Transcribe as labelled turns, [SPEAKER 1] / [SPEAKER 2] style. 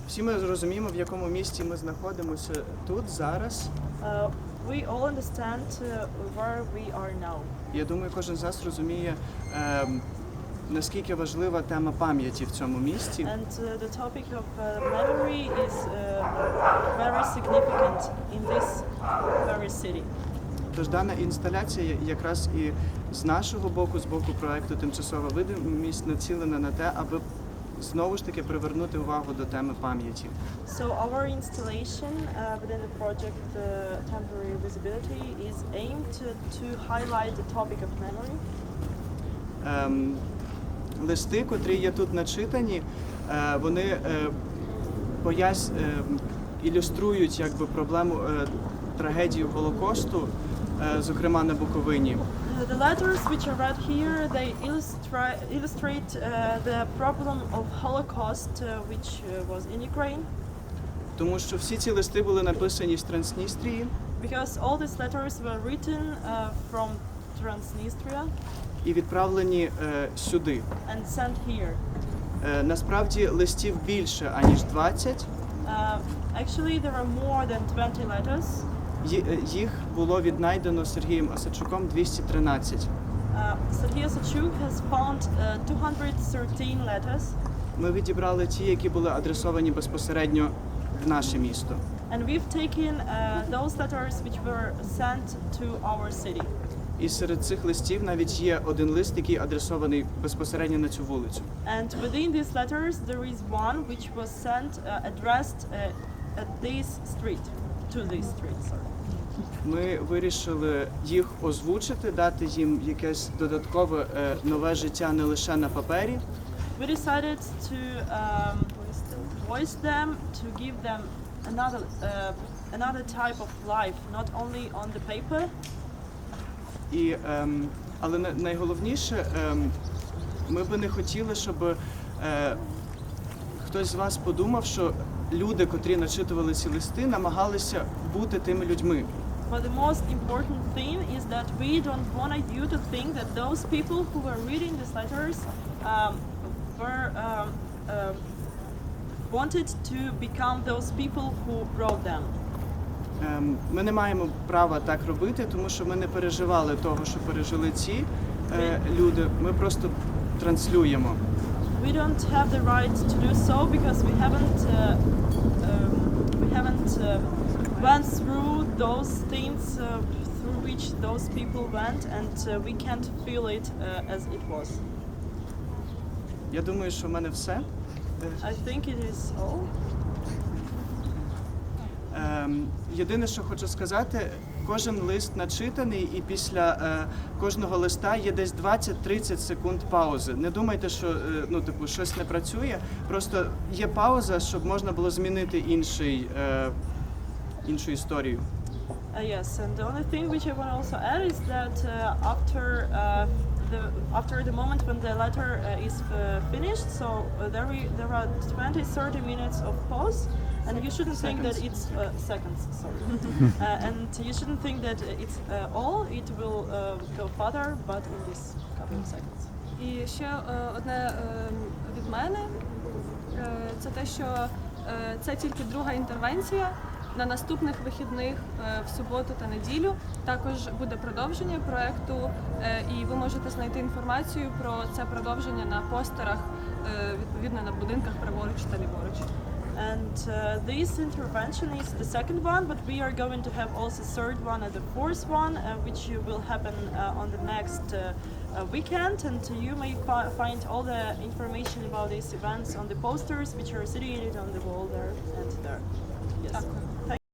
[SPEAKER 1] Всі ми зрозуміємо, в якому місці ми знаходимося тут, зараз.
[SPEAKER 2] We all understand where we are now.
[SPEAKER 1] Я думаю, кожен з нас розуміє, наскільки важлива тема пам'яті в цьому місці.
[SPEAKER 2] And the topic of memory is very significant in this very city.
[SPEAKER 1] Тож дана інсталяція якраз і з нашого боку, з боку проекту «Тимчасова видимість» націлена на те, аби знову ж таки привернути увагу до теми пам'яті.
[SPEAKER 2] So our installation within the project Temporary Visibility is aimed to highlight the topic of memory.
[SPEAKER 1] Листи, котрі є тут начитані, вони ілюструють якби проблему трагедії Голокосту, зокрема на Буковині.
[SPEAKER 2] The letters which are read here, they illustrate the problem of Holocaust which was in Ukraine.
[SPEAKER 1] Тому що всі ці листи були написані з Трансністрії.
[SPEAKER 2] Because all these letters were written from Transnistria.
[SPEAKER 1] І відправлені сюди.
[SPEAKER 2] And sent here.
[SPEAKER 1] Насправді листів більше, аніж 20.
[SPEAKER 2] Actually, there are more than 20 letters.
[SPEAKER 1] Їх було віднайдено Сергієм Осадчуком 213.
[SPEAKER 2] Sergei Osachuk has found 213 letters.
[SPEAKER 1] Ми відібрали ті, які були адресовані безпосередньо в наше місто.
[SPEAKER 2] And we've taken those letters which were sent to our city.
[SPEAKER 1] І серед цих листів навіть є один лист, який адресований безпосередньо на цю вулицю.
[SPEAKER 2] And within these letters there is one which was sent addressed at this street, to this street, sorry.
[SPEAKER 1] Ми вирішили їх озвучити, дати їм якесь додаткове нове життя не лише на папері.
[SPEAKER 2] We decided to voice them, to give them another type of life, not only on the paper.
[SPEAKER 1] Але найголовніше, ми би не хотіли, щоб хтось з вас подумав, що люди, котрі начитували ці листи, намагалися бути тими людьми.
[SPEAKER 2] But the most important thing is that we don't want you to think that those people who were reading these letters wanted to become those people who wrote them.
[SPEAKER 1] Ми не маємо права так робити, тому що ми не переживали того, що пережили ці люди. Ми просто транслюємо.
[SPEAKER 2] We don't have the right to do so because we haven't went through those things through which those people went, and we can't feel it as it was.
[SPEAKER 1] Я думаю, що в мене все.
[SPEAKER 2] I think it is all.
[SPEAKER 1] Єдине, що хочу сказати, кожен лист начитаний, і після кожного листа є десь 20-30 секунд паузи. Не думайте, що щось не працює, просто є пауза, щоб можна було змінити іншу історію.
[SPEAKER 2] Yes, and the only thing which I want to also add is that after the moment when the letter is finished, so there are 20-30 minutes of pause, and you shouldn't think that it's seconds. Sorry, and you shouldn't think that it's all. It will go further, but in this couple of seconds.
[SPEAKER 3] І ще одне від мене, це те, що це тільки друга інтервенція. На наступних вихідних в суботу та неділю також буде продовження проекту, і ви можете знайти інформацію про це продовження на постерах, відповідно на будинках праворуч та ліворуч.
[SPEAKER 2] And this intervention is the second one, but we are going to have also third one and the fourth one, which will happen on the next weekend. And you may find all the information about these events on the posters, which are situated on the wall there and there. Yes.